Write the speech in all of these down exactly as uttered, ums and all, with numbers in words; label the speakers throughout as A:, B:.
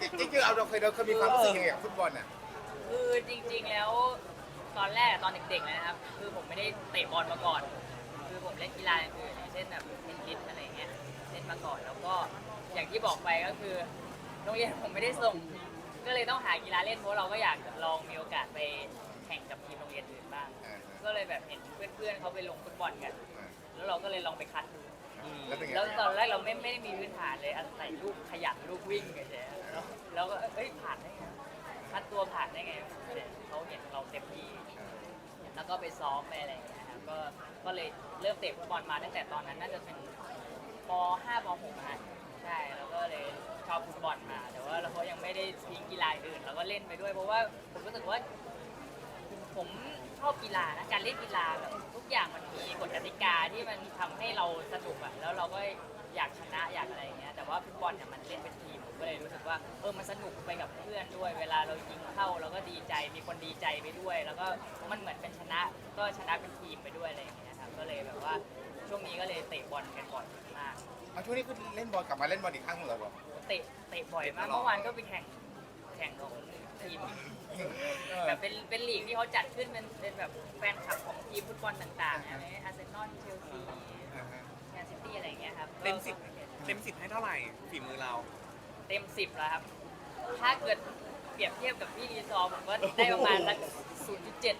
A: จริงๆเอาเราเคยเราเคยมีความรู้สึกยังไงกับฟุตบอลอ่ะ
B: คือจริงๆแล้วตอนแรกตอนเด็กๆเลยนะครับคือผมไม่ได้เตะบอลมาก่อน คือผมเล่นกีฬาอย่างอื่นอย่างเช่นแบบเทนนิสอะไรเงี้ยเล่นมาก่อนแล้วก็อย่างที่บอกไปก็คือโรงเรียนผมไม่ได้ส่งก็เลยต้องหากีฬาเล่นเพราะเราก็อยากลองมีโอกาสไปแข่งกับทีมโรงเรียนอื่นบ้างก็เลยแบบเห็นเพื่อนๆเขาไปลงฟุตบอลกันแล้วเราก็เลยลองไปคัดดูแล้วตอนแรกเราไม่ไม่ได้มีพื้นฐานเลยอาศัยลูกขยันลูกวิ่งเฉยๆแล้วก็เอ้ยผ่านได้ไงคัดตัวผ่านได้ไงเขาเห็นเราเต็มที่แล้วก็ไปซ้อมไปอะไรอย่างเงี้ยครับก็ก็เลยเริ่มเตะฟุตบอลมาตั้งแต่ตอนนั้นน่าจะเป็นป ห้า ป หก นะใช่แล้วก็เลยชอบฟุตบอลมาแต่ว่าเราก็ยังไม่ได้ทิ้งกีฬาอื่นเราก็เล่นไปด้วยเพราะว่าผมรู้สึกว่าผมชอบกีฬานะการเล่นกีฬาแบบทุกอย่างมันมีกฎกติกาที่มันทำให้เราสนุกอะแล้วเราก็อยากชนะอยากอะไรอย่างเงี้ยแต่ว่าฟุตบอลเนี่ยมันเล่นเป็นทีมผมก็เลยรู้สึกว่าเออมันสนุกไปกับเพื่อนด้วยเวลาเรายิงเข้าเราก็ดีใจมีคนดีใจไปด้วยแล้วก็มันเหมือนเป็นชนะก็ชนะเป็นทีมไปด้วยอะไรอย่างเงี้ยครับก็เลยแบบว่าช่วงนี้ก็เลยเตะบอลกันบ่อยมาก
A: เอาช่วงนี้คือเล่นบอลกลับมาเล่นบอลอีกครั้งเหรอ
B: เตะเตะบ่อยมากเมื่อวานก็ไปแข่งแข่งของทีมแบบเป็นเป็นลีกที่เขาจัดขึ้นเป็นเป็นแบบแฟนคลับของทีมฟุตบอลต่างๆอะไรอาร์เซนอลเชลซีแมนซิตี้อะไรอย่างเงี้ยครับ
C: เต็มสิบเต็มสิบให้เท่าไหร่ฝีมือเรา
B: เต็มสิบแล้วครับถ้าเกิดเปรียบเทียบกับพี่รีซอร์ผมก็ได้ประมาณสักศูนย์จุดเจ็ด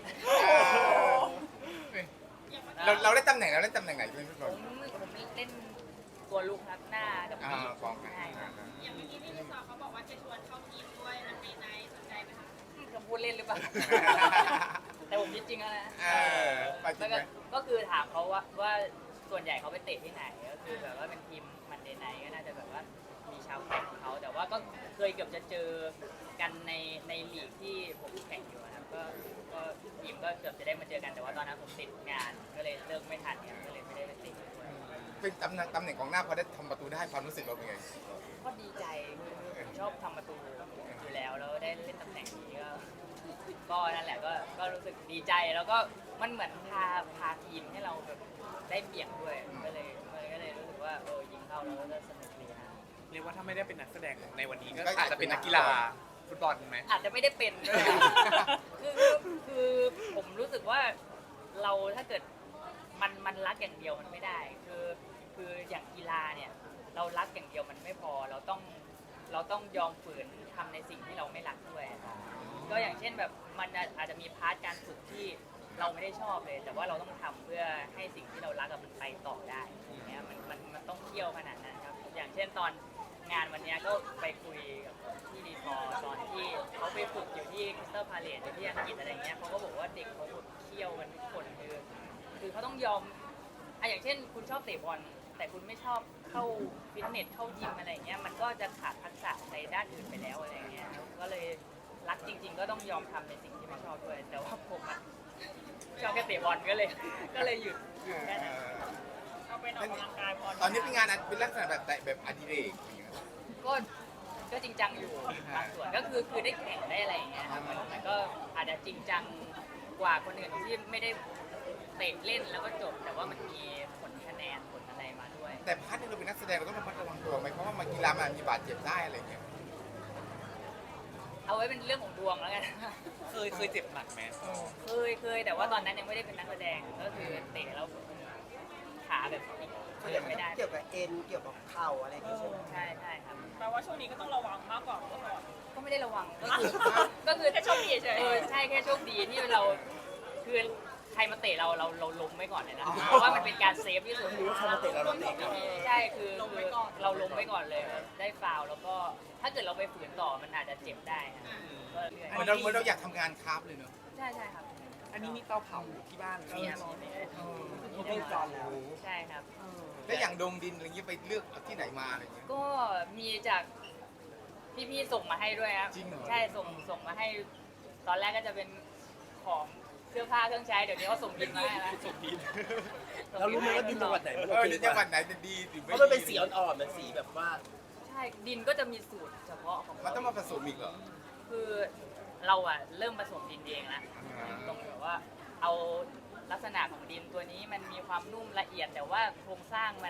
A: เราเราเล่นตำแหน่งเราเล่นตำแหน่งไหนเป็นฟุตบอล
B: ผมผมเล่นตัวลูกครับหน้ากับปีก
A: กองกลาง
D: อย่างเมื่อกี้พี่ลิซอเขาบอกว่าจะชวนเข้าทีมด้วยมันในในสนใจไหมคะ
B: คำพูดเล่นหรือเปล่าแต่ผมคิดจริงแล้วนะ
A: แล้ว
B: ก็คือถามเขาว่าว่าส่วนใหญ่เขาไปเตะที่ไหนก็คือแบบว่าเป็นทีมมันเดย์ไนท์ก็น่าจะแบบว่ามีชาวแข่งของเขาแต่ว่าก็เคยเกือบจะเจอกันในในลีกที่ผมแข่งอยู่นะครับก็ก็ทีมก็เกือบจะได้มาเจอกันแต่ว่าตอนนั้นผมติดงานก็เลยเลิกไม่ทันเนี่ยก็เลยไม่ได้ไปเตะ
A: เป็นตำแหน่งตำแหน่งของหน้าพอได้ทำประตูได้ความรู้สึกเราเป็นไง
B: ก็ดีใจผมชอบทำประตูอยู่แล้วแล้วได้เล่นตำแหน่งนี้ก็ก็นั่นแหละก็ก็รู้สึกดีใจแล้วก็มันเหมือนพาพาทีมให้เราแบบได้เบี่ยงด้วยก็เลยก็เลยรู้สึกว่าเออยิงเข้าแล้วก็สนุกดีนะ
C: เรียกว่าถ้าไม่ได้เป็นนักแสดงในวันนี้ก็อาจจะเป็นนักกีฬาฟุตบอลไหม
B: อาจจะไม่ได้เป็นด้วยคือคือผมรู้สึกว่าเราถ้าเกิดมันมันรักอย่างเดียวมันไม่ได้คือคืออย่างกีฬาเนี่ยเรารักอย่างเดียวมันไม่พอเราต้องเราต้องยอมฝืนทำในสิ่งที่เราไม่รักด้วยก็อย่างเช่นแบบมันอาจจะมีพาร์ทการฝึกที่เราไม่ได้ชอบเลยแต่ว่าเราต้องทำเพื่อให้สิ่งที่เรารักมันไปต่อได้อย่างเงี้ยมันมันมันต้องเที่ยวขนาดนั้นครับอย่างเช่นตอนงานวันนี้ก็ไปคุยกับที่ดีพอตอนที่เขาไปฝึกอยู่ที่คริสตัลพาเลซอยู่ที่อังกฤษอะไรเงี้ยเขาก็บอกว่าเด็กเขาฝึกเที่ยวกันทุกคนคือคือเขาต้องยอมอ่ะอย่างเช่นคุณชอบเตะบอลแต่คุณไม่ชอบเข้าฟิตเนสเข้ายิมอะไรเงี้ยมันก็จะขาดทักษะในด้านอื่นไปแล้วอะไรเงี้ยก็เลยรักจริงๆก็ต้องยอมทำในสิ่งที่ไม่ชอบด้วยแต่ว่าผมอะชอบแค่เตะบอลก็เลยก็เลยหยุดหยุดแค่นั้นเอาไปออกกำลังกายพอ
A: ตอนนี้เป็นงานเป็นลักษณะแบบแบบอดิเรก
B: ก็ก็จริงจังอยู่บางส่วนก็คือคือได้แข่งได้อะไรอย่างเงี้ยครับมันก็อาจจะจริงจังกว่าคนอื่นที่ไม่ได้เตะเล่นแล้วก็จบแต่ว่ามันมีผลคะแนนผลอะไรมาด้วย
A: แต่พาร์ทที่เราเป็นนักแสดงเราต้องระมัดระวังตัวไหมเพราะว่ามากีฬามันมีบาดเจ็บได้อะไรเงี้ย
B: เอาไว้เป็นเรื่องของดวงแล้วกัน
C: เคยเคยเจ็บหนักไหม
B: เคยเคยแต่ว่าตอนนั้นยังไม่ได้เป็นนักแสดงก็คือเตะแล้วขาแบบเดินไม่ได้
E: เกี่ยวกับเอ็นเกี่ยวกับเข่าอะไรอย่างเงี้ย
B: ใช่ใช่ครับ
D: แปลว่าช่วงนี้ก็ต้องระวังมากกว่าเมื่อก่อน
B: ก็ไม่ได้ระวังก็คือก็คือ
D: แค่โชคดีเฉย
B: ใช่แค่โชคดีที่เราคือใครมาเตะเราเราเราล้มไว้ก่อนเลยนะเพราะว่ามันเป็นการเซฟที่สุด
E: ใครมาเตะเราเราเตะ
B: ใช่คือเราล้มไว้ก่อนเลยได้ฟาวแล้วก็ถ้าเกิดเราไปฝืนต่อมันอาจจะเจ็บได้ก็เรื่อย
A: เหมือนเราเหมือนเราอยากทำงานคราฟเลยเนอะ
B: ใช่ใช่ครับ
C: อันนี้มีเตาเผาที่บ้าน
B: มีครับมี
E: มีได้จอนแล้ว
B: ใช่ครับ
A: แล้วอย่างดงดินอะไรเงี้ยไปเลือกที่ไหนมาอะไรเงี้ย
B: ก็มีจากพี่ๆส่งมาให้ด้วยครับใช่ส่งส่งมาให้ตอนแรกก็จะเป็นของเสื้อผ้าเครื่องใช้เดี๋ยวนี้เขาส่งดินมาแล้ว
C: ส่งดิน
E: เรารู้ไหมว่าดินจังหวัดไหน
A: เออดินจังหวัดไหนจะดีหรือไม่
E: เพราะมันเป็นสีอ่อนๆมันสีแบบว่า
B: ใช่ดินก็จะมีสูตรเฉพาะของ
A: มันต้องมาผสมอีกเหรอ
B: คือเราอะเริ่มผสมดินเองแล้วตรงแบบว่าเอาลักษณะของดินตัวนี้มันมีความนุ่มละเอียดแต่ว่าโครงสร้างมัน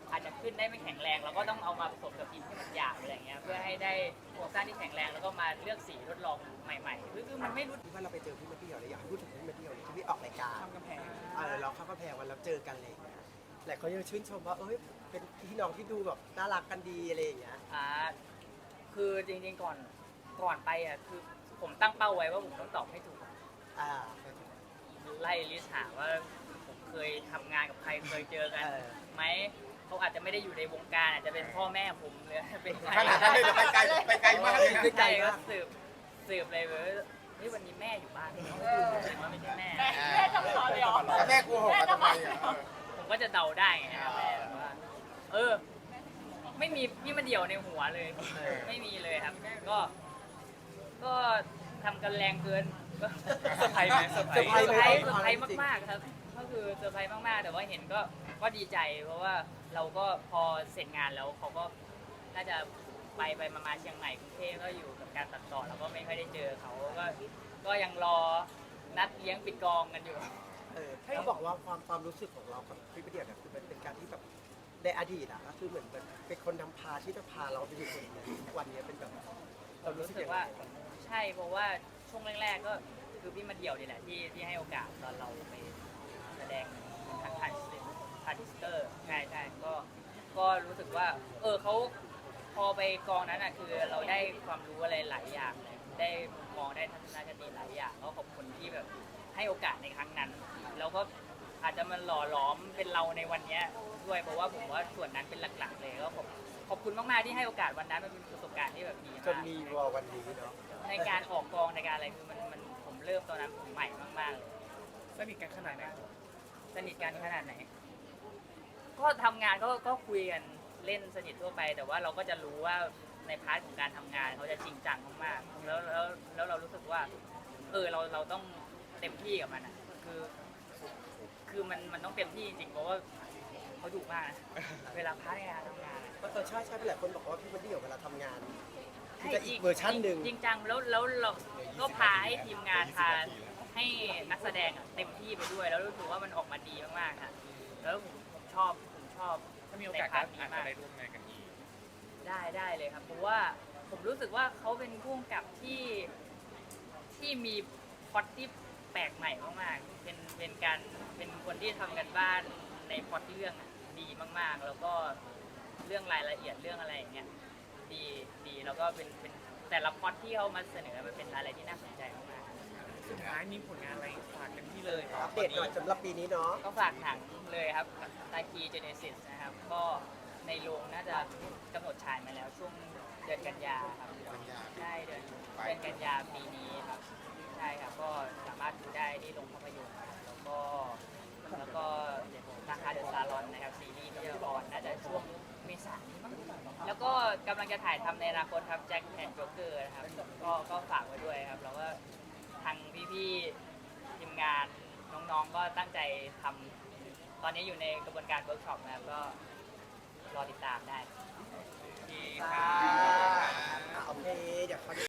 B: อาจจะขึ้นได้ไม่แข็งแรงเราก็ต้องเอามาผสมกับดินที่มันหยาบอะไรเงี้ยเพื่อให้ได้โครงสร้างที่แข็งแรงแล้วก็มาเลือกสีทดลองใหม่ๆคือคือมันไม่รู้
F: ที่ว่าเราไปเจอพี่มาเที่ยวเลยอยากให้พูดถึงพี่มาเที่ยวเลยที่พี่ออกรายการ
E: ข้ามกำแพง
F: เออเราเข้ากำแพงวันแล้วเจอกันอะไรอย่างเลยหลายคนยังชื่นชมว่าเอ้ยเป็นพี่น้องที่ดูแบบน่ารักกันดีอะไรอย่างเงี้ย
B: อ่าคือจริงๆก่อนก่อนไปอ่ะคือผมตั้งเป้าไว้ว่าผมต้องตอบให้ถูก
F: อ่า
B: ไล่ลิสต์หาว่าผมเคยทำงานกับใครเคยเจอกัน
F: เออ
B: ไหมเขาอาจจะไม่ได้อยู่ในวงการอาจจะเป็นพ่อแม่ผมหรือเป็นใคร
A: ขนาดนั้นเลยเหรอไปไกลไปไกลมากเลยนะ
B: ใช่ก็สืบสืบเลยว่าเฮ้ยวันนี้แม่อยู่บ้านว่าไม่ใช่แม่
D: แม่จะสอนเลยเหรอ
A: แล้วแม่กูหกมาทำไมอ่ะ
B: ผมก็จะเดาได้ไงครับแม่แบบว่าเออ ไม่มีพี่มาเดี่ยวในหัวเลย ไม่มีเลยครับ ก็ ก็ทำกันแรงเกินก็
C: เซอร์ไพรส์ไหมเซอร์ไพร
F: เซอร์
C: ส์
F: ไพรส์
B: เซอ
F: ไห
B: ร์ไพรส์เซอร์ไพรส์มากๆครับ ก็คือเซอร์ไพรส์มากๆ แต่ว่าเห็นก็ ก็ดีใจ เพราะว่าเราก็พอเสร็จงานแล้วเขาก็น่าจะไปไปมามาเชียงใหม่กรุงเทพก็อยู่กับการตัดต่อแล้วก็ไม่ค่อยได้เจอเขาก็ ก็ยังรอนัดเลี้ยงปิดกองกันอยู่
F: เออเขาบอกว่าความความรู้สึกของเรากับพี่ประเดียวเนี่ยคือมันเป็นการที่แบบในอดีตอะก็คือเหมือนเป็นเป็นคนนำพาที่จะพาเราไปถึงจุดนี้ทุกวันนี้เป็นแบบเรารู้
B: รู้
F: สึก
B: สึ
F: ยั
B: ก
F: งไง
B: ว่าใช่เพราะว่าช่วงแรกๆก็คือพี่มาเดี่ยวนี่แหละที่ที่ให้โอกาสตอนเราไปแสดงทางผ่านผ่านดิสเตอร์ใช่ใช่ก็ก็รู้สึกว่า เออเขาพอไปกองนั้นอ่ะคือเราได้ความรู้อะไรหลายอย่างเลยได้มุมมองได้ทัศนคติหลายอย่างก็ขอบคุณที่แบบให้โอกาสในครั้งนั้น แล้วก็อาจจะมันหล่อหลอมเป็นเราในวันเนี้ยด้วยเพราะว่าผมว่าส่วนนั้นเป็นหลักๆเลยก็ขอบขอบคุณมากๆที่ให้โอกาสวันนั้นมันเป็นประสบการณ์ที่แบบดี
F: จน
B: มาก
F: มีวอลวันนี้เนาะ
B: ในการออกกองในการอะไรคือมันมันผมเริ่มตอนนั้นผมใหม่มากๆเลย
C: สนิทกันขนาดไหน
B: สนิทกันขนาดไหน ก็ทำงานก็ก็คุยกันเล่นสนิททั่วไป แต่ว่าเราก็จะรู้ว่าในพาร์ทของการทำงานเขาจะจริงจังมากๆแล้วแล้วแล้วเรารู้สึกว่า เออเราเราต้องเต็มที่กับมันอ่ะคือ คือมันมันต้องเต็มที่จริงๆเพราะว่าเขาดุมากนะเวลาพาร์ทในการทำงานอะ
F: เออใช่ใช่หลายคนบอกว่าพี่ประเดียวเวลาทำงานมันจะอีกเวอร์ชันหนึ่ง
B: จริงจังแล้วแล้วเราก็พาให้ทีมงานพาให้นักแสดงอะเต็มที่ไปด้วย แล้วรู้สึกว่ามันออกมาดีมากๆค่ะแล้วผมผมชอบผมชอบ
C: ถ้ามีโอกาส
B: ใน
C: ก็
B: พาร์ทนี้
C: อาจจะ
B: มาก
C: ได้ร่วมงานกันอีก
B: ได้ได้เลยครับเพราะว่าผมรู้สึกว่าเขาเป็นผู้กำกับที่ที่มีพล็อตที่แปลกใหม่มากๆเป็นเป็นการเป็นคนที่ทำกันบ้านในพล็อตเรื่องอะดีมากๆ แล้วก็เรื่องรายละเอียดเรื่องอะไรอย่างเงี้ยดีดีแล้วก็เป็นเป็นแต่ละพล็อตที่เขามาเสนอมันเป็นอะไรที่น่าสนใจมากๆ
C: สุดท้ายมีผลงานอะไรฝากกันที่เลยค
F: อั
C: รับ
F: ปเดตหน่อยสำหรับปีนี้เนาะ
B: ก็ฝากหนังเลยครับตาคีเจเนซิสนะครับ ก็ในโรงน่าจะกำหนดฉายมาแล้วช่วงเดือนกันยาครับใช่เดือนเดือนกันยาปีนี้ครับใช่ครับก็สามารถดูได้ที่โรงภาพยนตร์ครับแล้วก็แล้วก็ราคาเดอะซาลอนนะครับซีรีส์ที่จะออนน่าจะช่วงเมษายนนี้มั้งแล้วก็กำลังจะถ่ายทำในอนาคตครับแจ็คแอนด์โจ๊กเกอร์นะครับก็ก็ฝากไว้ด้วยครับแล้วก็ทางพี่ๆทีมงานน้องๆก็ตั้งใจทำตอนนี้อยู่ในกระบวนการเวิร์กช็อปนะครับก็รอติดตามได้
C: ที่ค่ะ
F: โอเคเดี๋ยวเขา